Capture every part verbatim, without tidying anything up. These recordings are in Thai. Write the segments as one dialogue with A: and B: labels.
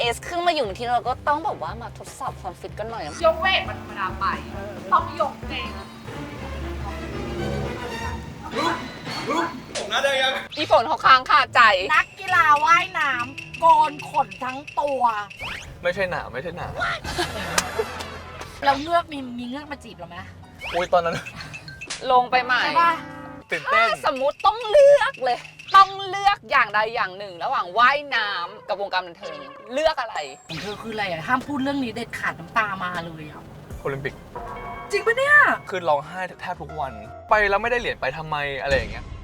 A: เอสขึ้นมาอยู่ที่เราก็ต้องแบบว่ามาทดสอบความฟิตกันหน่อย
B: ยกเวทมันธรรมดาไปต้องยกเอง
C: ผมน่าจะยัง
A: อีฝนเขาค้างคาใจ
B: นักกีฬาว่ายน้ำโกนขนทั้งตัว
C: ไม่ใช่หนาไม่ใช่หนา
B: แล้วเงือกมีมีเงือกมาจีบเราไหม
C: โอ้ยตอนนั้น
A: ลงไปใหม่
B: ใช่ป่ะ
C: ตื่นเต้น
A: ถ้าสมมุติต้องเลือกเลย ต้องเลือกอย่างใดอย่างหนึ่ง ระหว่างว่ายน้ำกับวงการบันเทิงเลือกอะไร
B: ของเธอคืออะไรอ่ะห้ามพูดเรื่องนี้เด็ดขาดน้ำตามาเลยอ่ะ
C: โอลิมปิก
B: จริงปะเนี่ย
C: คือร้องไห้แทบทุกวัน ไปแล้วไม่ได้เหรียญไปทำไมอะไรอย่างเงี้ย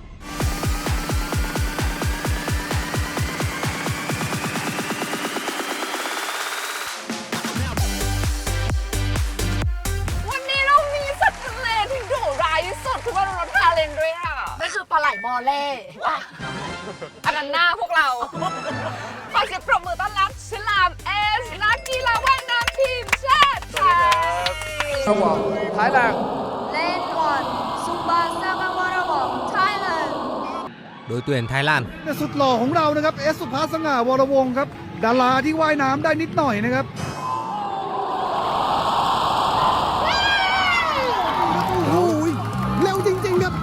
A: วันนี้เรามีสัตว์ทะเลที่ดุร้ายที่สุดคือว่ารถทาเลนด้วยค่ะ
B: นั่นคือปลาไหลมอเล่
A: ว้าอันนั้นหน้าพวกเรา ขอเสียงปรบมือต้อนรับฉลามเอสนักกีฬาว่ายน้ำทีมชาติไทย
C: ท้ายแรง
D: Lane one, Super Seven Water Walk, Thailand.
E: โดยตัวเองไทยแลนด์
F: แต่สุดหล่อของเรานะครับเอสสุภาสง่าวรวงศ์ครับดาราที่ว่ายน้ำได้นิดหน่อยนะครับโอ้ยเร็วจริงๆครับ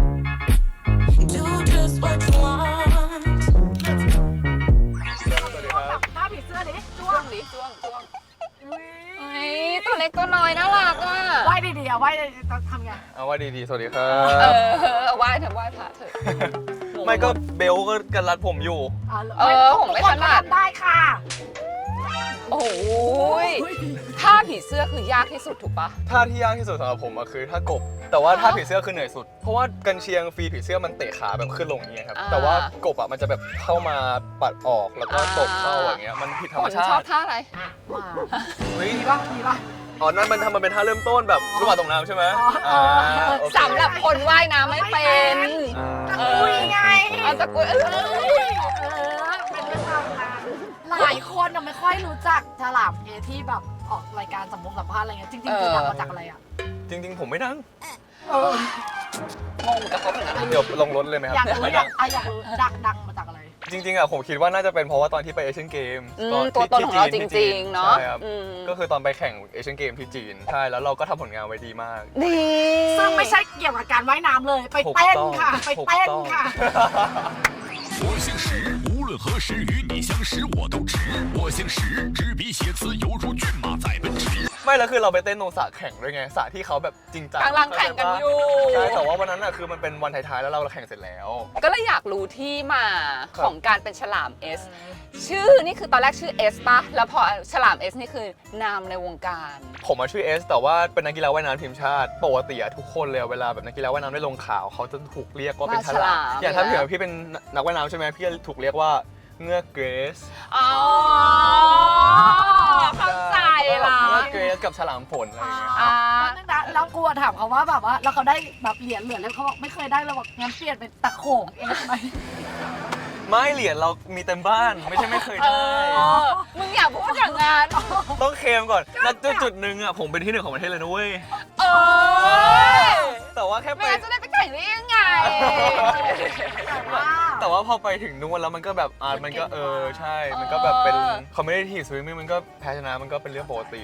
B: หน้าผีเสื้อดิจ้ว
A: จ้ว
B: ง
A: งดิจ้วงจ้วงเฮ้ยตัวเล็กตัวน้อยน่ารักอ่ะ
B: ว่ายดีๆอ่ะว่ายดีๆต้องทำไง
C: เอาว่าดีๆ สวัสดีครั
A: เอบ อไหว้เถอะไหว้พระเถอะ
C: ไม่ก็เบลก็กันรัดผมอยู่
A: เออผมไม่ถนัด
B: ทำได้ค่ะ
A: โอ้ยท่าผีเสื้อคือยากที่สุดถูกปะ
C: ท่าที่ยากที่สุดสำหรับผมอะคือท่ากบ แต่ว่าท่าผีเสื้อคือเหนื่อยสุด เพราะว่ากันเชียงฟรีผีเสื้อมันเตะขาแบบขึ้นลงอย่างเงี้ยครับ แต่ว่ากบอะมันจะแบบเข้ามาปัดออกแล้วก็ตบเข้าอย่างเงี้ย มันผิดธรรมชา
A: ชอบ
C: ติ
A: ท่าอะไร
B: มา
C: เฮ้ย
B: ดีป่ะดีป่ะ
C: อ๋อ นั่นมันทำมันเป็นท่าเริ่มต้นแบบลูกบาศก์ตกน้ำใช่ไหม
B: อ๋ออ่
C: าโอเค
A: สำหรับคนว่ายน้ำไม่เป็น
C: อ่า
B: คุยไง
A: เอาตะกุยเอ
B: เอ
A: อ
B: อเป็นเรื่องราวนะหลายคนน่ะไม่ค่อยรู้จักฉลามเอที่แบบออกรายการสัมภาษณ์สัมภาษณ์อะไรเงี้ยจริงๆคือดังมาจากอะไรอ่ะ
C: จริงๆ ผมไม่ดัง
B: เออง
A: งกับเขาเหมือนกันนะ
C: เดี๋ยวลงรถเลยไหมครั
B: อยาก
C: บ
B: รู้
C: ไม่
B: อ
C: ดั
B: ยาง กอ่ะอยากรู้ดังดังมาจากอะไร
C: จริงๆอะผมคิดว่าน่าจะเป็นเพราะว่าตอนที่ไปเอเชียนเกม
A: อืมตัวตนของเราจริงๆเนาะ
C: ใช่ครับ
A: อืม
C: ก็คือตอนไปแข่งเอเชียนเกมที่จีน ใช่ แล้วเราก็ทำผลงานไว้ดีมาก
A: ดี
B: ซึ่งไม่ใช่เกี่ยวกับการว่ายน้ำเลย ไป
C: ถูก
B: เต้น
C: ต้อง
B: ค่ะ ไป
C: ถูก
B: เต้น
C: ต้อง
B: ค่ะ
G: 我姓石，无论何时与你相识我都值。我姓石，执笔写词犹如骏马在奔驰。
C: ไม่แล้วคือเราไปเต้นตรงสระแข่งด้วยไงสระที่เขาแบบจริงจัง
A: กำลังแข่งกันอยู่
C: ใช่แต่ว่าวันนั้นอะคือมันเป็นวันท้ายๆแล้วเราแข่งเสร็จแล้ว
A: ก็เลยอยากรู้ที่มา
C: ครับ
A: ของการเป็นฉลามเอสชื่อนี่คือตอนแรกชื่อเอสปะแล้วพอฉลามเอสนี่คือนามในวงการ
C: ผมมาชื่อเอสแต่ว่าเป็นนักกีฬาว่ายน้ำทีมชาติปกติอะทุกคนเลยเวลาแบบนักกีฬาว่ายน้ำได้ลงข่าวเขาจะถูกเรียกว่าเป็นฉลามอย่างถ้าเผื่อพี่เป็นนักว่ายน้ำใช่ไหมพี่จะถูกเรียกว่าเงือกเกรซ
A: อ๋อเข้าใจละ
C: เงือกเกรซกับฉลามฝนอะไรอย่างเงี้ย
A: อ่า
B: นึงนะแล้วกลัวถามเขาว่าแบบว่าแล้วเขาได้แบบเหรียญเหรียญแล้วเขาบอกไม่เคยได้เลยบอกงั้นเปลี่ยนเป็นตะโขงเองไหม
C: ไม่เหรียญเรามีเต็มบ้านไม่ใช่ไม่เคย
A: เอ
C: ได้
A: อมึงอย่าพูดอย่างนั้น
C: ต้องเคลมก่อนณจุดจุดหนึ่งอะผมเป็นที่หนึ่งของประเทศเลยนะเว้ย
A: เออ
C: แต่ว่าแค่ไป
A: ไม่งั้นจะได้ไปแข่งได้ยังไง
C: แต่ว่าพอไปถึงนู้นแล้วมันก็แบบอ่ามันก็เออใช่ มันก็แบบเป็น competitive swimming มันก็แพ้ชนะมันก็เป็นเรื่องปกติ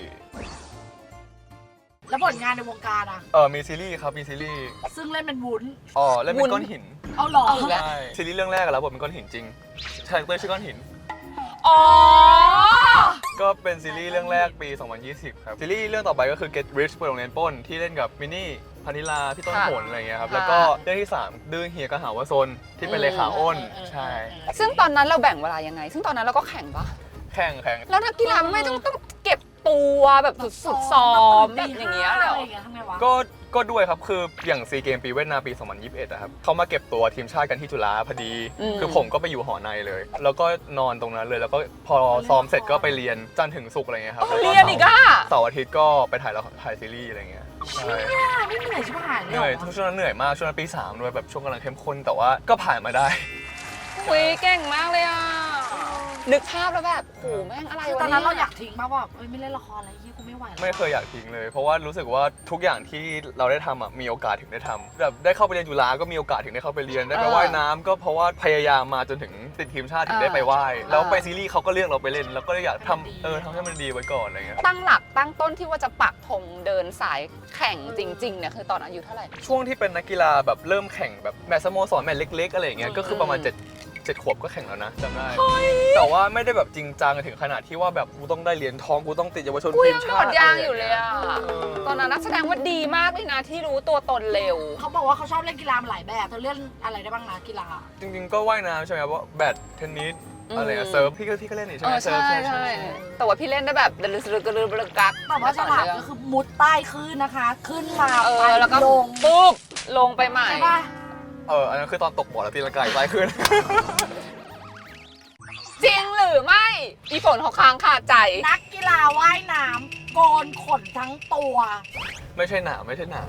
B: แล้วผลงานในวงการอ่ะ
C: เออมีซีรีส์ครับมีซีรีส์
B: ซึ่งเล่นเป็นวุ้น
C: อ๋อเล่นเป็นก้อนหิน
B: เอาหรอ
A: เอาอีกแล้ว
C: ใช่ซีรีส์เรื่องแรกอะแล้วบทเป็นก้อนหินจริงคาแรคเตอร์ชื่อก้อนหิน
A: อ๋อ
C: ก็เป็นซีรีส์เรื่องแรกปี สองพันยี่สิบ ครับ ซีรีส์เรื่องต่อไปก็คือ Get Rich เปิดโรงเรียนปล้นที่เล่นกับมินนี่พานิลาพี่ต้น
A: ค่ะ
C: ผลอะไรเงี้ยครับ
A: ค่ะ
C: แล้วก็เรื่องที่สามดื้อเฮียกะหาวาซนที่เป็นเลขาอ้นใช่
A: ซึ่งตอนนั้นเราแบ่งเวลายังไง ซึ่งตอนนั้นเราก็แข่งปะ
C: แข่งแข่ง
A: แล้วนักกีฬาไม่ต้องต้องเก็บตัวแบบสุดๆซ้อมแบบอย่างเงี้ยเลยเหรอ
B: ทำไงวะ
C: ก็ก็ด้วยครับ คืออย่างซีเกมปีเวียดนามปี สองพันยี่สิบเอ็ดอะครับเขามาเก็บตัวทีมชาติกันที่จุฬาพอดี
A: อืม
C: คือผมก็ไปอยู่หอในเลย แล้วก็นอนตรงนั้นเลย แล้วก็พอซ้อมเสร็จก็ไปเรียนจันทร์ถึงศุกร์อะไรเงี้ยครับแล้ว
A: เรียนอีกอ่ะ
C: เสาร์อาทิตย์ก็ไปถ่ายละครถ่ายซีรีส์อะไรเงี้ยใช่
B: ไม่เหนื่อยใช่ไหมหาย
C: เหนื่อยช่วงนั้นเหนื่อยมากช่วงนั้นปีสามด้วยแบบช่วงกำลังเข้มข้นแต่ว่าก็ผ่านมาได้
A: คุยเก่งมากเลยอ่ะนึกภาพแล้วแบบโหแม่งอะไร
B: คือ
A: วะ
B: ตอน
A: เนี่
B: นั้นเราอยาก
A: ย
B: ทิ้งมากว่าเอ้ยไม่เล่นละครอะไรยี่กูไม่ไหวแล้ว
C: ไม่เคยอยากทิ้งเลย เพราะว่ารู้สึกว่าทุกอย่างที่เราได้ทำอ่ะมีโอกาสถึงได้ทำแบบได้เข้าไปเรียนจุฬาก็มีโอกาสถึงได้เข้าไปเรียนได้ไปว่ายน้ำก็เพราะว่าพยายามมาจนถึงติดทีมชาติถึงได้ไปว่ายแล้วไปซีรีส์เขาก็เลือกเราไปเล่นแล้วก็อยากทำเออทำให้มันดีไว้ก่อนอะไรเงี้ย
A: ตั้งหลักตั้งต้นที่ว่าจะปักธงเดินสายแข่งจริงๆเนี่ยคือตอนอายุเท่าไหร่
C: ช่วงที่เป็นนักกีฬาแบบเริ่มแข่งแบบแมตช์สโมสรแมตช์เล็กๆอะไรอย่างเงี้ยก็คือประมาณเจ็ดเจ็ดขวบก็แข่งแล้วนะจำได้แต่ว่าไม่ได้แบบจริงจังถึงขนาดที่ว่าแบบกูต้องได้เหรียญทองกูต้องติดเยาวชน
A: กู
C: ที
A: ยั
C: ม
A: งโด
C: ชา
A: ด
C: ติ
A: ยางอยู่เลยอะ
C: เออ
A: ตอนนั้นนักแสดงว่าดีมากเลยนะที่รู้ตัวตนเร็ว
B: เขาบอกว่าเขาชอบเล่นกีฬามาหลายแบบเธอเล่นอะไรได้บ้างนะกีฬา
C: จริงๆก็ว่ายน้ำใช่ไหมว่าแบดเทนนิส
A: อืม
C: อะไรอะเซิร์ฟพี่ก็พี่ก็เล่นนี่ใช่
A: เอ
C: ไหม
A: อ
C: เซิ
A: ใช่
C: ร์ฟ
A: ใช่แต่ว่าพี่เล่นได้แบบเดลือดกระลือบระกัก
B: แต่ว่าฉลามก็คือมุดใต้คลื่นนะคะ ขึ้นมา
A: เอ
B: ไป
A: อแล้วก็
B: ลง
A: ปุ๊บลงไปใหม่
B: ใช่ป่ะ
C: เอออันนั้นคือตอนตกบ่อแล้วตีลังกาอีกไล่ขึ้น
A: จริงหรือไม่อีฝนเขาค้างคาใจ
B: นักกีฬาว่ายน้ำโกนขนทั้งตัว
C: ไม่ใช่หนาไม่ใช่หนา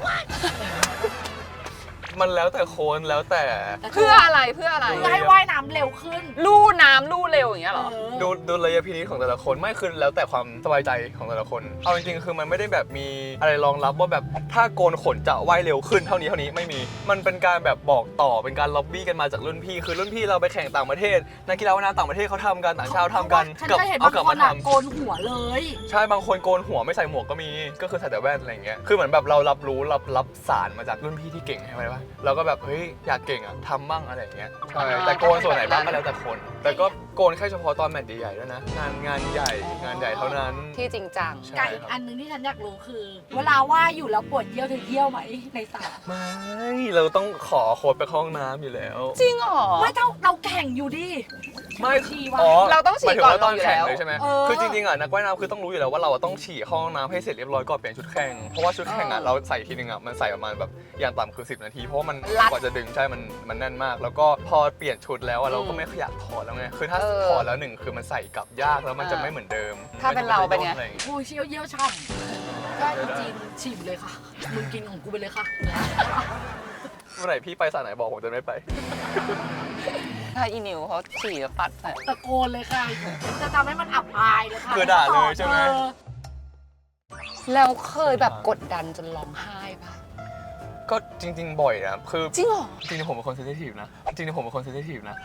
C: มันแล้วแต่โคนแล้วแต่
A: เพื่ออะไรเพื่ออะไร
B: เพื่อให้ว่ายน้ำเร็วขึ้น
A: ลู่น้ำลู่เร็วอย่างเงี้ยเหรอ
B: เออ
C: ดูดูระยะพินิจของแต่ละคนไม่คือแล้วแต่ความสบายใจของแต่ละคน เอาจริงๆคือมันไม่ได้แบบมีอะไรรองรับว่าแบบถ้าโกนขนจะว่ายเร็วขึ้นเท่านี้เท่านี้ไม่มี มันเป็นการแบบบอกต่อเป็นการล็อบบี้กันมาจากรุ่นพี่ คือรุ่นพี่เราไปแข่งต่างประเทศนักกีฬาว่ายน้ำต่างประเทศเขาทำกันต่างชาติทำกัน
B: ฉัน
C: กับ
B: จะเห็น
C: เอา
B: บาง
C: กลับ
B: ค
C: มาน
B: อ่ะ
C: ทำ
B: โกนหัวเลย
C: ใช่บางคนโกนหัวไม่ใส่หมวกก็มีก็คือใส่แต่แว่นอะไรอย่างเงี้ยคือเหมือนแบบเรารับรู้รับรับสารมาจากรุ่นพี่ที่เก่งใช่ไหมวะเราก็แบบเฮ้ยอยากเก่งอ่ะทำบ้างอะไรอย่างเงี้ยใช่แต่โกนส่วนไหนบ้างก็แล้วแต่คน แต่ก็โกนแค่เฉพาะตอนแมตช์ใหญ่ๆด้วยนะงานงานใหญ่งานใหญ่เท่านั้น
A: ที่จริงจัง
C: ใช่
B: ไก่อีกอันหนึงที่ฉันอยากรู้คือ เวลาว่ายอยู่แล้วปวดเยี่ยวเธอเยี่ยวไหมในสระ
C: ไม่เราต้องขอโค้ดไปเข้าห้องน้ำอยู่แล้ว
A: จริงเหรอ
B: ไม่เท่าเราแข่งอยู่ดิ
C: ไม่
B: ฉี่วะ
C: อ๋อ
A: เราต้องฉี่
C: หมายถึง
A: ก่อน
C: ว่าตอน
A: ลงอยู่
C: แข่ง
A: แล้ว
C: เลยใช่ไหม
B: เออ
C: คือจริงๆอ่ะนักว่ายน้ำคือต้องรู้อยู่แล้วว่าเราต้องฉี่เข้าห้องน้ำให้เสร็จเรียบร้อยก่อนเปลี่ยนชุดแข่งเพราะว่าชุดแข่งอ่ะเราใส่ทีนึงอ่ะมันใส่ประมาณแบบอย่างต่ำคือสิบนาทีเพราะว่ามัน
A: รัด
C: กว่าจะดึงใช่มันมันแน่นมาก แล้วก็พอเปลี่ยนชุดแล้วอ่ะเราก็ไม่อยากถอดแล้วไงคือถ้า
A: เออ
C: ถอดแล้วหนึ่งคือมันใส่กลับยากแล้วมันจะ
A: อ่า
C: ไม่เหมือนเดิม
A: ถ้าเป็นเราเป็นไง
C: มัจะม่ด้อะรอย่างงี้
B: กูเชี่ยวเยี่ยวช่ำก็จริงๆฉี่เลยค่ะ มึงกินของกูไปเลยค่ะ
C: เมื่อไหร่พี่ไปสระไหนบอกผมจะไม่ไป
A: ถ้าอีนิวเขาฉี่แล้วปัดใส่
B: ตะโกนเลยค่ะ จะทำให้มันอับอายเลยค่ะ
C: คือด่าเลยใช่ไหม
B: ออ
A: แล้วเคยแบบกดดันจนร้องไห้ปะ
C: ก็จริง ๆ บ่อยนะคือ
A: จริงเหรอ
C: จริงๆผมเป็นคนเซนซิทีฟนะจริงๆผมเป็นคนเซนซิทีฟนะ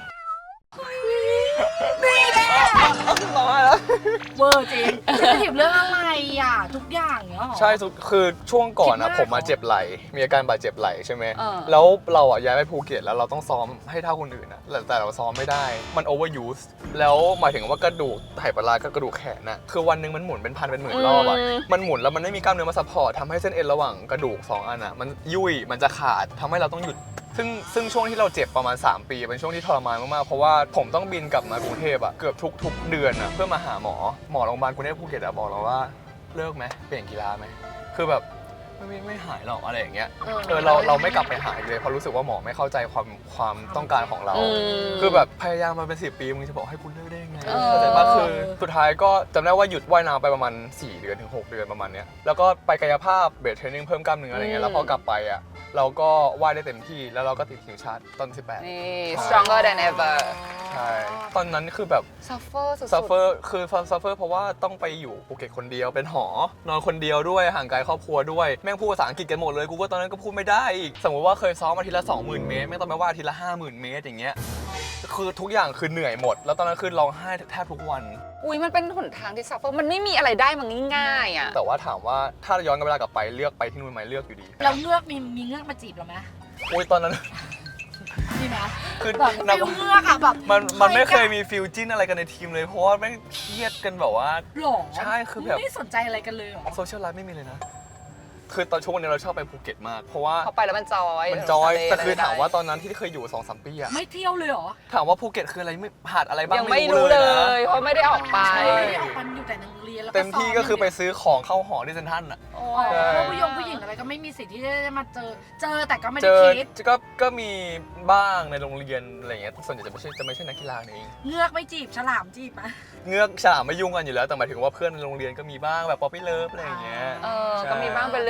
C: ร้องไห้แล้ว
B: เวอร์จริงจะถีบเรื่องอะไรอ่ะ ทุกอย่างเนี้ยหรอ
C: ใช่ทุกคือช่วงก่อน
B: คิด
C: นะ
B: มาก
C: ผมมา
B: เหรอ
C: เจ็บไหล่มีอาการบาดเจ็บไหล่ใช่ไหม
A: เออ
C: แล้วเราอ่ะย้ายไปภูเก็ตแล้วเราต้องซ้อมให้เท่าคนอื่นนะแต่แต่เราซ้อมไม่ได้มันโอเวอร์ยูสแล้วหมายถึงว่ากระดูกไหปลาร้ากับกระดูกแขนน่ะคือวันหนึงมันหมุนเป็นพันเป็นหมื่นรอบอ่ะ
A: อืม
C: มันหมุนแล้วมันไม่มีกล้ามเนื้อมาซัพพอร์ตทำให้เส้นเอ็นระหว่างกระดูกสองอันอ่ะมันยุ่ยมันจะขาดทำให้เราต้องหยุด ซึ่งซึ่งช่วงที่เราเจ็บประมาณ สาม ปีเป็นช่วงที่ทรมานมากๆเพราะว่าผมต้องบินกลับมากรุงเทพอะเกือบทุกทุกเดือนอะเพื่อมาหาหมอหมอโรงพยาบาลกรุงเทพภูเก็ตอะบอกเราว่าเลิกไหมเปลี่ยนกีฬาไหมคือแบบไม่ไม่ไม่หายหรอกอะไรอย่างเงี้ยเออเราเราไม่กลับไปหาอีกเลยเพราะรู้สึกว่าหมอไม่เข้าใจความความต้องการของเรา
A: อืม
C: คือแบบพยายามมาเป็นสิบปีมึงจะบอกให้คุณเลิกได้ยังไง
A: เออ
C: เข้าใจปะคือสุดท้ายก็จำได้ว่าหยุดว่ายน้ำไปประมาณสี่เดือนถึงหกเดือนประมาณเนี้ยแล้วก็ไปกายภาพเบสเทรนนิ่งเพิ่มกล้ามเนื้ออะไรเงี้ยแล้วพอกลับไปอะเราก็ว่ายได้เต็มที่แล้วเราก็ติดทีมชาติตอนสิบแปด
A: นี่ stronger than ever
C: ใช่ ตอนนั้นคือแบบ
A: suffer สุดๆ
C: ซัฟเฟอร์คือซัฟเฟอร์เพราะว่าต้องไปอยู่ภูเก็ตคนเดียวเป็นหอนอนคนเดียวด้วยห่างไกลครอบครัวด้วยแม่งพูดภาษาอังกฤษกันหมดเลยกูก็ตอนนั้นก็พูดไม่ได้อีกสมมติว่าเคยซ้อมอาทิตย์ละ สองหมื่น เมตรแม่งต้องไปว่าอาทิตย์ละ ห้าหมื่น เมตรอย่างเงี้ยคือทุกอย่างคือเหนื่อยหมด แล้วตอนนั้นคือร้องไห้แทบทุกวัน
A: อุ้ยมันเป็นหนทางที่ suffer มันไม่มีอะไรได้มันง่ายๆอ่ะ
C: แต่ว่าถามว่าถ้าย้อนเวลากลับไปเลือกไปที่นู่นไหมเลือกอยู่ดี
B: เราเงือกมีมีเงือกมาจีบเราไหม
C: โอ้ยตอนนั้น
B: มีไหม
C: คือ
B: แบบ
C: นัก
B: ฟิลเงือกอะแบบ
C: มันมันไม่เคยมีฟิลจิ้นอะไรกันในทีมเลยเพราะว่าแม่งเครียดกันแบบว่า
B: หรอ
C: ใช่คือแบบ
B: ไม่สนใจอะไรกันเลยเหรอ
C: โซเชียลไลฟ์ไม่มีเลยนะ คือตอนช่วงนี้เราชอบไปภูเก็ตมาก เพราะว่า
A: เขาไปแล้วมันจอย
C: มันจอย
A: ทะเล
C: แต่คือ
A: อะไรได้
C: ถามว่าตอนนั้นที่เคยอยู่ สองสาม ปีอะ
B: ไม่เที่ยวเลยเหรอ
C: ถามว่าภูเก็ตคืออะไรไม่หาดอะไรบ้าง
A: ยังไม่รู้เลย เพราะไม่ได้ออกไป
B: ไม่ได้ออกไปอยู่แต่ในโรงเรียนแล้วก็
C: เต็มที่ก็คือไป
B: ซ้ม
C: ซื้อของเข้าหอที่เซ็นทรัลอะ
A: โอ้
B: อย่าง
A: ย
B: เดียวผู้ยงผู้หญิงอะไรก็ไม่มีสิทธิ์ที่จะมาเจอ เจอแต่ก็ไม่
C: เจ
B: ได้
C: อ
B: คิด
C: ก็ก็มีบ้างในโรงเรียนอะไรอย่างเงี้ยส่วนใหญ่จะไม่ใช่จะไม่ใช่นักกีฬาเอง
B: เงือกไม่จีบฉลามจีบไหม
C: เงือกฉลามไม่ยุ่งกันอยู่แล้วแต่หมายถึงว่าเพื่อนในโรงเรียนก็มีบ้างแบบป๊อปปี้เลิฟอะไรอย่างเงี้ย
A: เออ
C: ใช่
A: ก็มีบ้างเป็นเรื่อง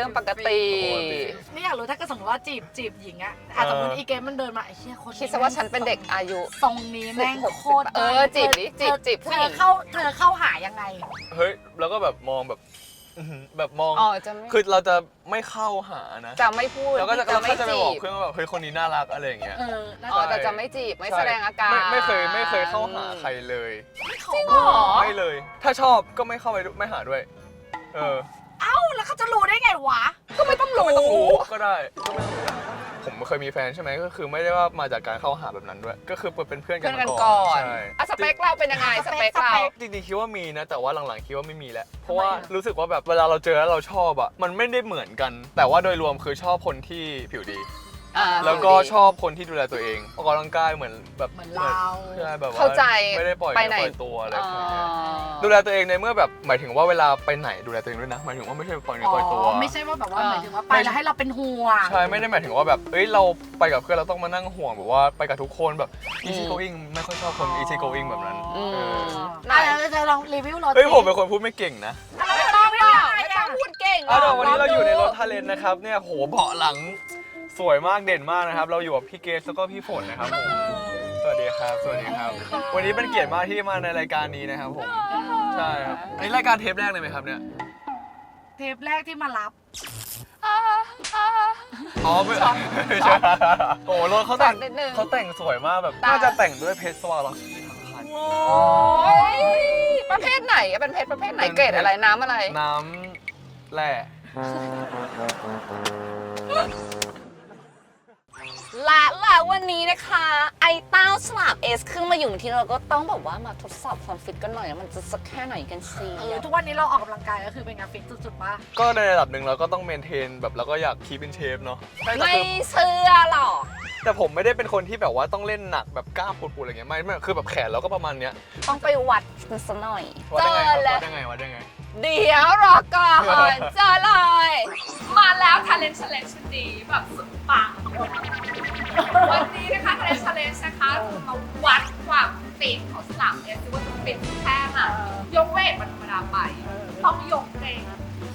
A: รื่องปกติ
B: ไม่อยากรู้ถ้าเกิดสมมติว่าจีบจีบหญิงอะอาจจะสมมติอีเกมมันเดินมาไอ้เชี่ยคนนี้
A: คิดซะว่าฉันเป็นเด็กอายุ
B: ทรงนี้แม่งโคตร
A: เออจีบดิจีบจีบผู้
B: เธ
A: หญิ
B: อง เข้าเธอเข้าหายังไง
C: เฮ้ยแล้วก็แบบมองแบบอื้อหือแบบมอง
A: อ๋อจะไม่
C: คือเราจะไม่เข้าหานะ
A: จะไม่พูด
C: แล้วก็จะ
A: จะ
C: เรา
A: ไม่
C: ก็จะไป
A: จี
C: บอก
A: บ
C: เพื่อนว่าแบบเฮ้ยคนนี้น่ารักอะไรอย่างเงี้ย
B: เออน่า
A: อ๋อ
B: จะ
A: แต่จะไม่จีบไม่
C: ใช่
A: แสดงอาการ
C: ไม่ไม่เคยไม่เคยเข้าหาใครเลย
A: จริงเหรอ
C: ไม่เลย ถ้าชอบก็ไม่เข้าไปด้วยไม่หาด้วย เออ
B: เอ้าแล้วเขาจะรู้ได้ไงวะ
A: ก็ไม่ต้องรู้
C: ไม่ต้องรู้ก็ได้ก็ไม่ต้องรู้ผมเคยมีแฟนใช่ไหมก็คือไม่ได้ว่ามาจากการเข้าหาแบบนั้นด้วย ก็คือเป็นเพื่อนกั
A: เพื่อน
C: น
A: กัน
C: มา
A: ก่
C: ก่
A: อ
C: อน
A: น
C: ใช่
A: อ่ะสเปคเราเป็นยังไงสเปคเรา
C: จริงๆคิดว่ามีนะ แต่ว่าหลังๆคิดว่าไม่มีแล้ว เพราะว่ารู้สึกว่าแบบเวลาเราเจอแล้วเราชอบอ่ะมันไม่ได้เหมือนกัน แต่ว่าโดยรวมคือชอบคนที่ผิวดี
A: อ่า
C: แล้วก็ชอบคนที่ดูแลตัวเองออกกำลังกายเหมือนแบบ
B: เหมือนเรา
C: ใช่แบบว่า
A: เข้าใจ
C: ไม่ได้ปล่อย
A: ไป
C: เนื้อ
A: ไหน
C: ปล่อยตัวอะไร
A: อ๋
C: แบบเนี้ย
A: อ
C: ดูแลตัวเองในเมื่อแบบหมายถึงว่าเวลาไปไหนดูแลตัวเองด้วยนะหมายถึงว่าไม่ใช่ปล่อยเนื้อปล่อยตัว
B: ไม่ใช่ว่าแบบว่า
A: เออ
B: หมายถึงว่าไปแล้วให้เราเป็นห่วง
C: ใช่ไม่ได้หมายถึงว่าแบบเอ้ยเราไปกับเพื่อนเราต้องมานั่งห่วงแบบว่าไปกับทุกคนแบบ easy going ไม่ค่อยชอบคน easy going แบบนั้น
A: อืม
C: เออ
A: ไหน
B: อ่ะเราจะลองรีวิวรถ
C: เฮ้ยผมเป็นคนพูดไม่เก่งนะ
A: ไม่ต้องไม่ต้องไม่ต้องพูดเก่งหร
C: อ่ะ
A: อก
C: เดี๋ยววันนี้เราอยู่ในรถ
A: ลงดู
C: ทาเลนนะครับเนี่ยโหเบาะหลังสวยมากเด่นมากนะครับ เราอยู่กับพี่เกสแล้วก็พี่ฝนนะครับผมสวัสดีครับสวัสดีครับ วันนี้เป็นเกียรติมากที่มาในรายการนี้นะครับผมใช่ครับอันนี้รายการเทปแรกเลยไหมครับเนี่ย
B: เทปแรกที่มารับ
A: อ่าอ่า
C: อ๋อไม่ไม่ใช่โอ้โหรถเขาแต่ง
A: นิดนึง
C: เขาแต่งสวยมากแบบ
A: ตา
C: น่าจะแต่งด้วยเพชรสวาร์ล็อกซี่ทั้งคัน
A: โอ้ยประเภทไหนอะเป็นเพชรประเภทไหนเกรดอะไรน้ำอะไร
C: น้ำแร่
A: และแล้ววันนี้นะคะ ไอ้เต้าฉลามเอสขึ้นมาอยู่ที่เราก็ต้องแบบว่ามาทดสอบความฟิตกันหน่อยนะมันจะสักแค่ไหนกันสิ
B: เออทุกวันนี้เราออกกำลังกายก็คือเป็นงานฟิตสุดๆป่ะ
C: ก็ในระดับหนึ่งเราก็ต้องเมนเทนแบบเราก็อยากคีปเป็นเชฟเนาะใช่แต่
A: ไม่
C: คือ
A: เชื่อหรอก
C: แต่ผมไม่ได้เป็นคนที่แบบว่าต้องเล่นหนักแบบกล้ามปูดๆอะไรเงี้ยไม่ไม่คือแบบแขนเราก็ประมาณเนี้ย
A: ต้องไปวัดมันซะหน่อย
C: วัด
A: เจ
C: ได้
A: อ
C: ไงครับ
A: เล
C: วั
A: ย
C: ดได้ไงวัดได้ไง
A: เดี๋ยวรอก่อนเจอเลย มาแล้ว Talent Challenge ชุดนี้แบบสุดปังวันนี้นะคะ Talent Challenge นะคะมาวัดความฟิตของฉลามเอสว่าจะฟิตแค่ไหนยกเวทมันธรรมดาไป ต้องยกเอง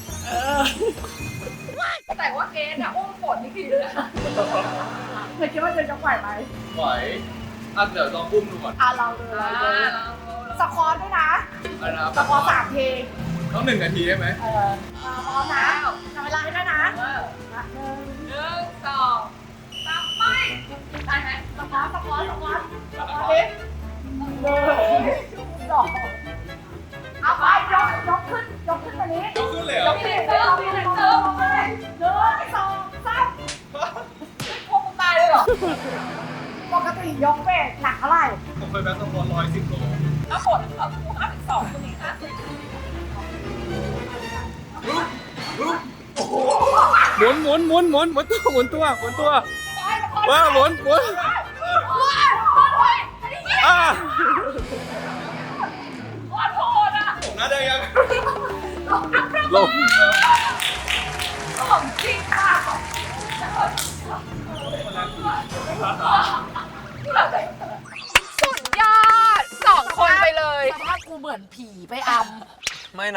A: แต่ว่าเกสอะอุ้มฝนนี่คือเลย
B: เธอคิดว่าเธอจะไหวไหม
C: ไหวอ่ะเดี๋ยวลองอุ้มดูก่อน
B: อ่ะเราดูเราดูสควอตด้วยนะ
C: อะไรนะครับ
B: สควอตสามที
C: ต้องหนึ่งนาทีได้ไหม
B: เออมาพร้อมนะทำเวลาให้ด้วยนะ
A: เออ
B: หนึ่ง
A: หนึ่งสองสามไปได้ไหม
B: สควอตสควอตสควอตสควอตดิหนึ่งสองเอาไปยกยกขึ้นยกขึ้นตัวนี้
C: ยกขึ้นเลยเหร
B: ย
C: อก
B: ขึ้นเติมขึ้นเติมไปหนึ่งสองสาม
A: พวกมึงตายเลยเหรอ
B: ปกติยกเวทหนักเท่าไหร่
C: ผมเคยแบกสปอร์ตร้อยสิบโล
A: แล้วผลของกูห้าสิบสองคนนี้ห้าสิบ
H: หมุนหมุนหมุนหมุนหมุนตัวหมุนตัวหมุนตัวว้าหมุนหมุนอ่า
C: ผมน่าจะยัง
H: ลง
A: สุดยอดสองคนไปเลย
B: สภาพกูเหมือนผีไปอำ
C: ไม่นะ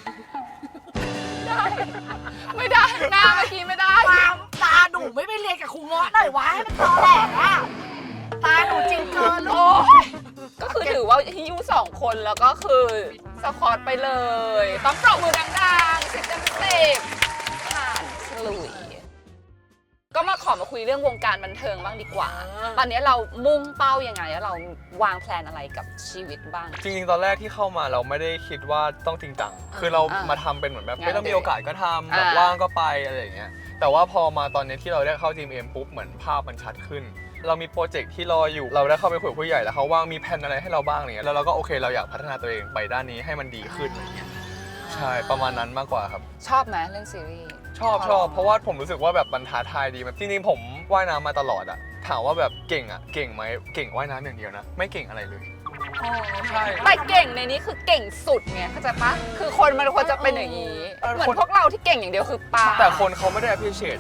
A: ไม่ได้หน้าเมื่อกี้ไม่ได้
B: ตาตาหนูไม่ไปเรียนกับครูเงาะหน่อยวะให้มันตอแหลกอะตาหนูจริงเกินลู
A: โอ้
B: ก
A: ยก็คือถือว่าฮิ้วสองคนแล้วก็คือสควอตไปเลย ต้องปรบมือดังๆสิบเต็มสิบผ่านฉลุย ก็มาขอมาคุยเรื่องวงการบันเทิงบ้างดีกว่า ตอนนี้เรามุ่งเป้ายังไงแล้วเราวางแผนอะไรกับชีวิตบ้าง
C: จริงๆ ตอนแรกที่เข้ามาเราไม่ได้คิดว่าต้องจริงจัง คือเรา
A: อ่าม
C: มาทำเป็นเหมือนแบบ
A: งาน
C: ไม่ต้องมีโอกาสก็ทำแบบ
A: อ่า
C: ว่างก็ไปอะไรอย่างเงี้ย แต่ว่าพอมาตอนนี้ที่เราได้เข้า จี เอ็ม ปุ๊บเหมือนภาพมันชัดขึ้น เรามีโปรเจกต์ที่รออยู่ เราได้เข้าไปคุยกับผู้ใหญ่แล้วเขาว่างมีแผนอะไรให้เราบ้างอะไรเงี้ย แล้วเราก็โอเคเราอยากพัฒนาตัวเองไปด้านนี้ให้มันดีขึ้นอะไรเงี้ย ใช่ ประมาณนั้นมากกว่าครับ
A: ชอบไหมเรื่องซีรีส์
C: ชอบชอบเพราะว่าผมรู้สึกว่าแบบมันท้าทายดีแบบจริงๆผมว่ายน้ำมาตลอดอะถามว่าแบบเก่งอะเก่งไหมเก่งว่ายน้ำอย่างเดียวนะ ไม่เก่งอะไรเลย ใช่
A: แต่เก่งในนี้คือเก่งสุดไงเข้าใจปะคือคนมันควรจะเป็นอย่างนี้
C: เออ
A: เหมือน
C: คน
A: พวกเราที่เก่งอย่างเดียวคือปลา
C: แต่คนเขาไม่ได้ appreciate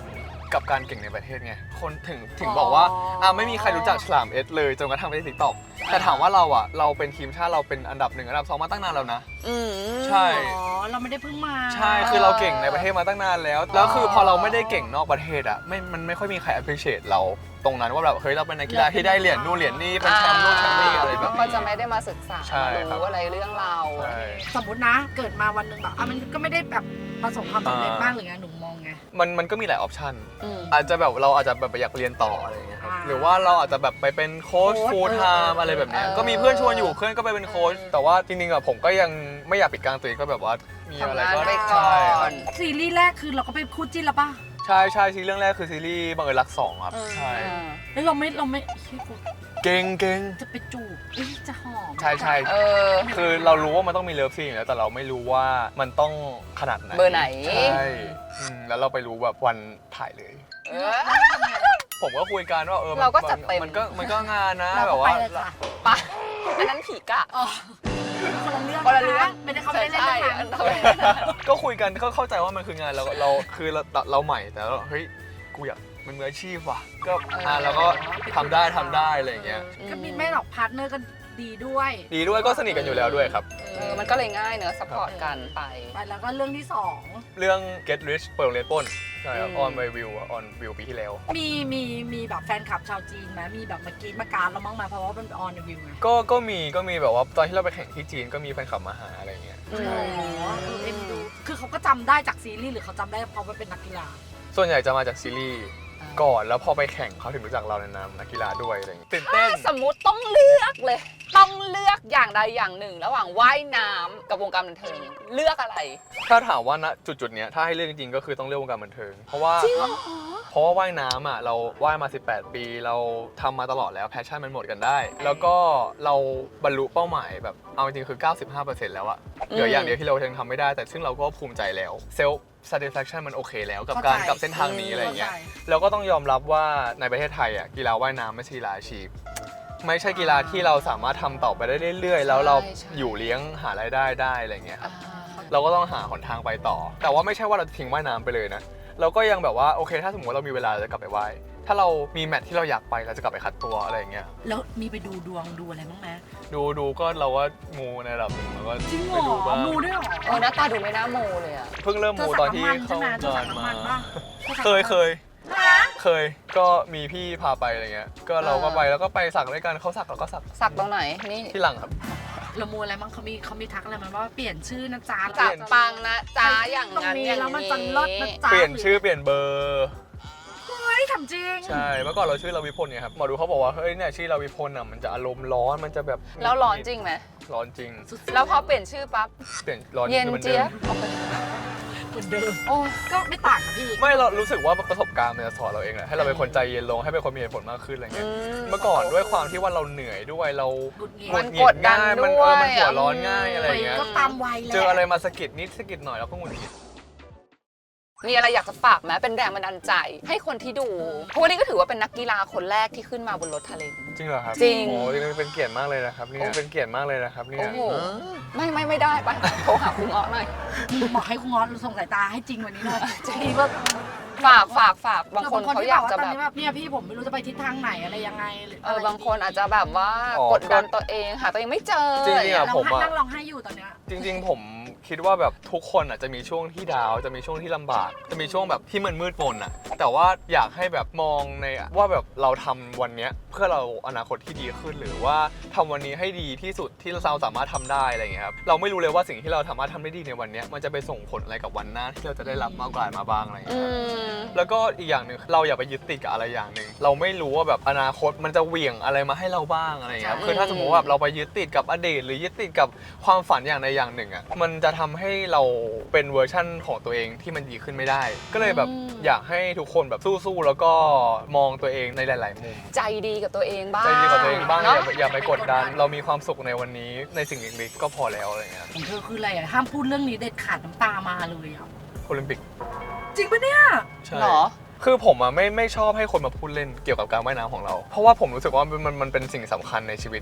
C: กับการเก่งในประเทศไงคนถึงถึงบอกว่าอ่ะไม่มีใครรู้จักฉลามเอสเลยจนกระทั่งไปที่ติ๊กต็อกแต่ถามว่าเราอ่ะเราเป็นทีมชาติเราเป็นอันดับหนึ่งอันดับสองมาตั้งนานแล้วนะ
A: อืม
C: ใช่
B: อ๋อเราไม่ได้เพิ่งมา
C: ใช่คือเราเก่งในประเทศมาตั้งนานแล้วแล้วคือพอเราไม่ได้เก่งนอกประเทศอ่ะไม่มันไม่ค่อยมีใคร appreciate เราตรงนั้นว่าแบบเฮ้ยเราเป็นนักกีฬาที่ได้เหรียญนู่นเหรียญนี่เป็นแชมป์นู่นแชมป์นี่อะไรแบบ
A: ก็
C: นี้
A: จะไม่ได้มาศึกษา
C: ใช่ครับ
A: รู้อะไรเรื่องเรา
C: ใช่
B: สมมตินะเกิดมาวันหนึ่งแบบอ่ะมันก็ไม่ได้แบบประสบความสำเร็จ
C: อ่าม
B: มากหรือไงหนูมองไง
C: มันมันก็มีหลายออปชัน
A: อืม
C: อาจจะแบบเราอาจจะแบบอยากเรียนต่ออะไรอย่างเงี้ยครับ
B: อ่า
C: หรือว่าเราอาจจะแบบไปเป็นโค้ช
B: โค้ช
C: ฟูลไทม์อะไรแบบเนี้ย
A: เออ
C: ก็มีเพื่อนชวนอยู่เพื่อนก็ไปเป็นโค้ชแต่ว่าจริงๆอะผมก็ยังไม่อยากปิดกลางตัวเองก็แบบว่ามีอะไร
A: ทำงาน
C: ก็
A: ไปก่
C: ใช่
A: อ
C: ครั
A: น
C: บ
B: ซีรีส์แรกคือเราก็เป็นคู่จิ้นแล้วป่ะ
C: ใช่ใช่ซีรีส์เรื่องแรกคือซีรีส์บังเอิญรักสองครับใช่
B: แล้วเราไม่เราไม่เฮ้ยกู
C: เก่งเก่ง
B: จะไปจูบเอ้ยจะหอม
C: ใช่ใช่
A: เออ
C: คือเรารู้ว่ามันต้องมีเลิฟซีนอยู่แล้วแต่เราไม่รู้ว่ามันต้องขนาดไหน
A: เบอร์ไหน
C: ใช่อืมแล้วเราไปรู้แบบวันถ่ายเลย
A: เออ
C: ผมก็คุยกันว่าเออมัน
A: เราก็จัดเต็ม
C: มันก็มันก็งานนะ
B: เรา
C: แบ
B: ก็
C: บ
B: ไป
C: ว่า
B: เลยค่ะ
A: ปะอันนั้นผีกะ
B: อ๋อคนละเรื่อง
A: คนละเรื่อง
B: นไม่ได้เขาไม่ได้เล่น
A: ใช่
B: หนัง
A: ใช่
B: เขาไม่ได้เล่นหนัง
C: ก็คุยกันก็เข้าใจว่ามันคืองานเราเราคือเราเราใหม่แต่เราเฮ้ยกูอยากมันมืออาชีพว่ะก็อ่าเราก็ทำได้ทำได้อะไรอย่างเงี้ย
B: ก็มีไม่หรอกพาร์ทเนอร์กันดีด้วย
C: ดีด้วยก็สนิทกันอยู่แล้วด้วยครับ
A: เออมันก็เลยง่ายเนอะซัพพอร์ตกันไป
B: ไปแล้วก็เรื่องที่สอง
C: เรื่อง Get Rich เปิดโรงเรียนปล้นใช่ครับ
A: อืม
C: ออนไววิวออนวิวปีที่แล้ว
B: มีมีมีแบบแฟนคลับชาวจีนไหมมีแบบมากรีดมาการเราบ้างไหมเพราะว่ามันออนวิวไง
C: ก็ก็มีก็มีแบบว่าตอนที่เราไปแข่งที่จีนก็มีแฟนคลับมาหาอะไรอย่างเงี้ย
A: อื
B: อ๋อ
A: ม
B: เออเอ็นดูคือเขาก็จำได้จากซีรีส์หรือเขาจำได้เพราะว่าเป็นนักกีฬา
C: ส่วนใหญ่จะมาจากซีรีส์ก่อนแล้วพอไปแข่งเขาถึงรู้จักเราในนามนักกีฬาด้วยอะไรอย่างเงี้ยตื่นเต้น
A: สมมุติต้องเลือกเลย ต้องเลือกอย่างใดอย่างหนึ่ง ระหว่างว่ายน้ำกับวงการบันเทิงเลือกอะไร
C: ถ้าถามว่าณจุดจุดๆเนี้ยถ้าให้เลือกจริงๆก็คือต้องเลือกวงการบันเทิงเพราะว่า
A: จริงเหรอ
C: เพราะว่าว่ายน้ำอ่ะเราว่ายมาสิบแปดปีเราทำมาตลอดแล้วแพชชั่นมันหมดกันได้ แล้วก็เราบรรลุเป้าหมายแบบเอาจริงๆคือ เก้าสิบห้าเปอร์เซ็นต์ แล้วอะเหลืออย่างเดียวที่เรายังทำไม่ได้แต่ซึ่งเราก็ภูมิใจแล้วเซลฟ์ satisfaction มันโอเคแล้วกับการ
B: เข้าใจ
C: กับเส้นทางนี้อะไรอย่างเงี้ย
B: เข้าใจ
C: แล้วก็ต้องยอมรับว่าในประเทศไทยอ่ะกีฬาว่ายน้ำไม่ใช่กีฬาอาชีพไม่ใช่กีฬาที่เราสามารถทำต่อไปได้เรื่อยๆ แล้วเรา
A: ใช่ใช่
C: อยู่เลี้ยงหารายได้ได้อะไรอย่างเงี้ยครับ
A: อ่า
C: เราก็ต้องหาหนทางไปต่อ แต่ว่าไม่ใช่ว่าเราจะทิ้งว่ายน้ำไปเลยนะ เราก็ยังแบบว่าโอเคถ้าสมมติว่าเรามีเวลาเราจะกลับไปว่าย ถ้าเรามีแมตช์ที่เราอยากไปเราจะกลับไปคัดตัวอะไรอย่างเงี้ย
B: แล้วมีไปดูดวงดูอะไรบ้างไหม
C: ดูดูก็เราก็มูในระดับหนึ่งแล้วก็
B: จริงเหร
C: ไปดู
B: อ
C: บ้าง
B: มูด้วยเหรอ
A: เออหน้าตาดูไม่น่าโมเลยอะ
C: เพิ่งเริ่ม
B: เธอ
C: มู
B: สัก
C: ตอนที่
B: น้ำมัน
C: เข้า
B: ใช่ไหมเธอสั
C: งาก น
B: น้ำ
C: มา
B: มันป่ะ
C: เคยเคยเคยก็มีพี่พาไปอะไรเงี้ย ก็เราก็ไปแล้วก็ไปสักด้วยกันเขาสักเราก็สัก
A: สักตรงไหน นี่
C: ที่หลังครับ
B: เรามูอะไรบ้างเขามีเขามีทักอะไรมาว่าเปลี่ยนชื่อนะจ๊ะ
A: จับปังนะจ้าอย่าง
B: ตรง
A: นั้น
B: นี้
A: อย่าง
B: แล้วมัน
A: นี้
B: จะลดนะจ๊ะ
C: เปลี่ยนชื่อเปลี่ยนเบอร์
B: เฮ้ยทำจริง
C: ใช่ เมื่อก่อนเราชื่อเราวิพลไงครับ หมอดูเขาบอกว่า เฮ้ยเนี่ยชื่อเราวิพลอ่ะ มันจะอารมณ์ร้อน มันจะแบบ
A: แล้วร้อนจริงไหม
C: ร้อนจริง
A: แล้วพอเปลี่ยนชื่อปั๊บ
C: เปลี่ยนร้อน
A: เย็น
C: คือหมือ
A: เจี๊ยบ
C: ดิม
B: เหมือนเดิม
A: โอ้
B: ก็ไม่ต่างกับพี่
C: ไม่เรารู้สึกว่าประสบการณ์มันจะสอนเราเองแหละ ให้เราเป็นคนใจเย็นลง ให้เป็นคนมีเหตุผลมากขึ้นอะไร
A: อื
C: เงี้ย
A: ม
C: เมื่อก่อนด้วยความที่ว่าเราเหนื่อยด้วย เรา
B: หงุดหงิด
C: หงุ
A: มัน
C: ดหงิ
A: ก
C: ด
A: ดดัน
C: ง่าย มัน
A: ด้
C: เอ
A: ว
C: อย มันหัวร้อนง่ายอะไร
B: วัย
C: เงี้ย
B: ก็ตามวัยแหละ
C: เจออะไรมาสะกิดนิดสะกิดหน่อยเราก็หงุดหงิด
A: มีอะไรอยากจะฝากไหมเป็นแรงบันดาลใจ ให้คนที่ดู เพราะวันนี้ก็ถือว่าเป็นนักกีฬาคนแรกที่ขึ้นมาบนรถทะเลน
C: จริงเหรอครับ
A: จริง
C: โอ้ยเป็นเกียรติมากเลยนะครับเนี่ยเป็นเกียรติมากเลยนะครับเนี่
A: โอ้
C: ย
A: โห ไม่ไม่ไม่ได้ไปโทรหาคุณเงาะหน่อย
B: บอกให้คุณงอนส่งสายตาให้จริงวันนี้หน่อยจริงว่า
A: ฝากฝากฝากบางคนเขาอยากจะ
B: ตอน
A: แบบ
B: นี้แบบเนี่ยพี่ผมไม่รู้จะไปทิศทางไหนอะไรยังไงหรือ
A: เอ
B: อะ
A: อ
B: ไร
A: บางคนอาจจะแบบว่า
C: อ๋อ
A: กดดันตัวเองหาตัวเองไม่เจอ
C: จริงๆอะ
B: ร้
C: ผ
B: อง
C: ม
B: ไห้
C: อะ
B: นั่งร้องไห้อยู่ตอนเนี้ย
C: จริงๆ ผมคิดว่าแบบทุกคนอ่ะจะมีช่วงที่ดาวน์จะมีช่วงที่ลำบาก จะมีช่วงแบบที่มันมืดมนอ่ะ แต่ว่าอยากให้แบบมองในว่าแบบเราทำวันเนี้ยเพื่อเราอนาคตที่ดีขึ้น หรือว่าทำวันนี้ให้ดีที่สุดที่เราสามารถทำได้อะไรอย่างเงี้ยครับเราไม่รู้เลยว่าสิ่งที่เราสามารถทำได้ดีในวันเนี้ยมันจะไปส่งผลอะไรกับวันหน้าที่เราจะได้รับมากกว่ามาบ้างอะไรอย่าง
A: อื
C: เงี้ยครับ
A: ม
C: แล้วก็อีกอย่างหนึ่งเราอย่าไปยึดติดกับอะไรอย่างหนึ่งเราไม่รู้ว่าแบบอนาคตมันจะเหวี่ยงอะไรมาให้เราบ้างอะไรอย่างเงี้ยครับคือถ้าสมมติว่าแบบเราไปยึดติดกับอดีตหรือยึดติดกับความฝันอย่างใดอย่างหนึ่งอ่ะมันจะทำให้เราเป็นเวอร์ชั่นของตัวเองที่มันดีขึ้นไม่ได้ ก็เลยแบบ
A: อืม
C: อยากให้ทุกคนแบบสู้ๆแล้วก็มองตัวเองในหลาย ๆ มุม
A: ใจดีกับตัวเองบ้าง
C: ใจดีกับตัวเองบ้างอ
A: เนาะ
C: ย่าไปอย่าไปกดดัน เรามีความสุขในวันนี้ในสิ่งเล็กๆก็พอแล้วอะไรเงี้ย
B: ของเธอคืออะไรอ่ะห้ามพูดเรื่องนี้เด็ดขาดน้ำตามาเลยอ่ะ
C: โอลิมปิก
B: จริงปะเนี่ย
C: ใช่
A: เหรอ
C: คือผมอะไม่ไม่ชอบให้คนมาพูดเล่นเกี่ยวกับการว่ายน้ำของเรา เพราะว่าผมรู้สึกว่ามันมันมันเป็นสิ่งสำคัญในชีวิต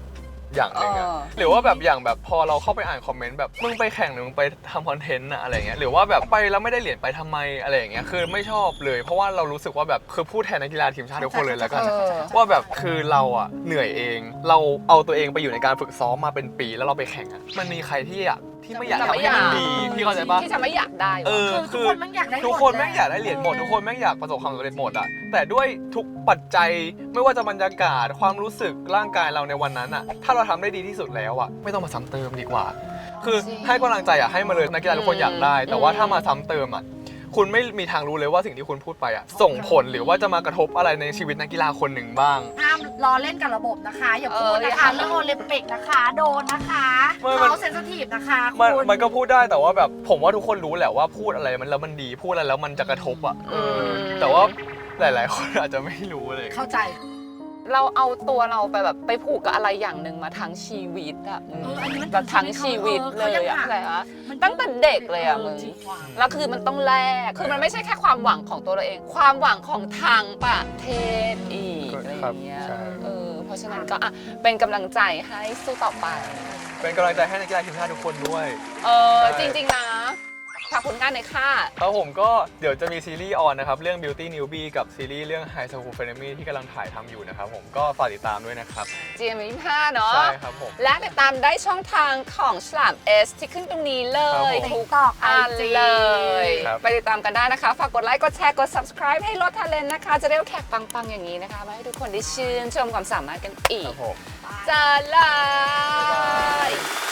C: อย่างหนึ่งอะ
A: เออ
C: หรือว่าแบบอย่างแบบพอเราเข้าไปอ่านคอมเมนต์แบบมึงไปแข่งหรือมึงไปทำคอนเทนต์อะอะไรเงี้ยหรือว่าแบบไปแล้วไม่ได้เหรียญไปทำไมอะไรอย่างเงี้ยคือไม่ชอบเลยเพราะว่าเรารู้สึกว่าแบบคือพูดแทนนักกีฬาทีมชาติทุกคนเลยแล้วกัน
A: เออ
C: ว่าแบบคือเราอะเหนื่อยเอง เราเอาตัวเองไปอยู่ในการฝึกซ้อมมาเป็นปีแล้วเราไปแข่งอะมันมีใครที่อยากที่ไม่อยาก
A: จะ
C: ทำ
A: ไม่
C: ให้มัน
A: อยาก
C: ดีพี่เข้าใจปะ
A: ที่จะไม่อยากได้
C: เอ
A: วะ
C: อ
B: คือทุกคนแม่งอยากได้หมด
C: ทุกคนแม่งอยากได้เหรียญหมดทุกคนแม่งอยากประสบความสำเร็จหมดอะแต่ด้วยทุกปัจจัยไม่ว่าจะบรรยากาศความรู้สึกร่างกายเราในวันนั้นอะถ้าเราทำได้ดีที่สุดแล้วอะไม่ต้องมาซ้ำเติมดีกว่า คือ
A: จริง
C: ให้กำลังใจอะให้มาเลยนักกีฬาทุกคนอยากได้ แต่ว่า
A: อืม
C: ถ้ามาซ้ำเติมอะคุณไม่มีทางรู้เลยว่าสิ่งที่คุณพูดไปอะส่งผลหรือว่าจะมากระทบอะไรในชีวิตนักกีฬาคนหนึ่งบ้าง
B: ห้ามล้อเล่นกับระบบนะคะ อย่าพูด
A: เออ
B: นะ
A: อย่า
B: คะ
A: ทำ
B: เรื่องโอลิมปิกนะคะ โดนนะคะ
C: ไม่มัน
B: เขาเซนซิทีฟนะคะ
C: มัน
B: คุณ
C: มันก็พูดได้แต่ว่าแบบผมว่าทุกคนรู้แหละว่าพูดอะไรมันแล้วมันดีพูดอะไรแล้วมันจะกระทบอะเอออ
A: ม
C: แต่ว่าหลาย ๆ คนอาจจะไม่รู้เลย
B: เข้าใจ
A: เราเอาตัวเราไปแบบไปผูกกับอะไรอย่างหนึ่งมาทั้งชีวิตอะมึง
B: เอออันนี้มัน
A: แบบทั้งชีวิตเลยอะ
B: เขายังหา
A: อะไรวะตั้งแต่เด็กเลยอะมึง
B: จริว่ะ
A: แล้วคือมันต้องแลกคือมันไม่ใช่แค่ความหวังของตัวเราเอง ความหวังของทางประเทศอีกอะไรอย่างเงี้ย
C: ครับใช่
A: เออเพราะฉะนั้นก็อ่ะเป็นกำลังใจให้สู้ต่อไป
C: เป็นกำลังใจให้นักกีฬาทีมชาติทุกคนด้วย
A: เออ
C: ใช่
A: จริง ๆ นะฝากผลงานหน่อยค่ะ
C: ครับผมก็เดี๋ยวจะมีซีรีส์ออนนะครับ เรื่อง Beauty Newbie กับซีรีส์เรื่อง High School f r e n e m y ที่กำลังถ่ายทำอยู่นะครับผมก็ฝากติดตามด้วยนะครับ
A: จี เอ็ม ยี่สิบห้าเนาะ
C: ใช่ครับผม
A: และติดตามได้ช่องทางของฉลาม S ที่ขึ้นตรงนี้เล
C: ครับ
A: ย
C: ผม
A: ทุก
B: TikTok
A: อัน
B: ไอจี
A: เลย
C: ครับ
A: ไปติดตามกันได้นะคะ ฝากกดไลค์ กดแชร์ กด subscribe ให้รถทาเลนนะคะ จะได้เอาแขกปัง ๆ อย่างนี้นะคะ มาให้ทุกคนได้ชื่นชมความสามารถกันอี
C: ค
A: ก
C: รับผม
A: จะลาย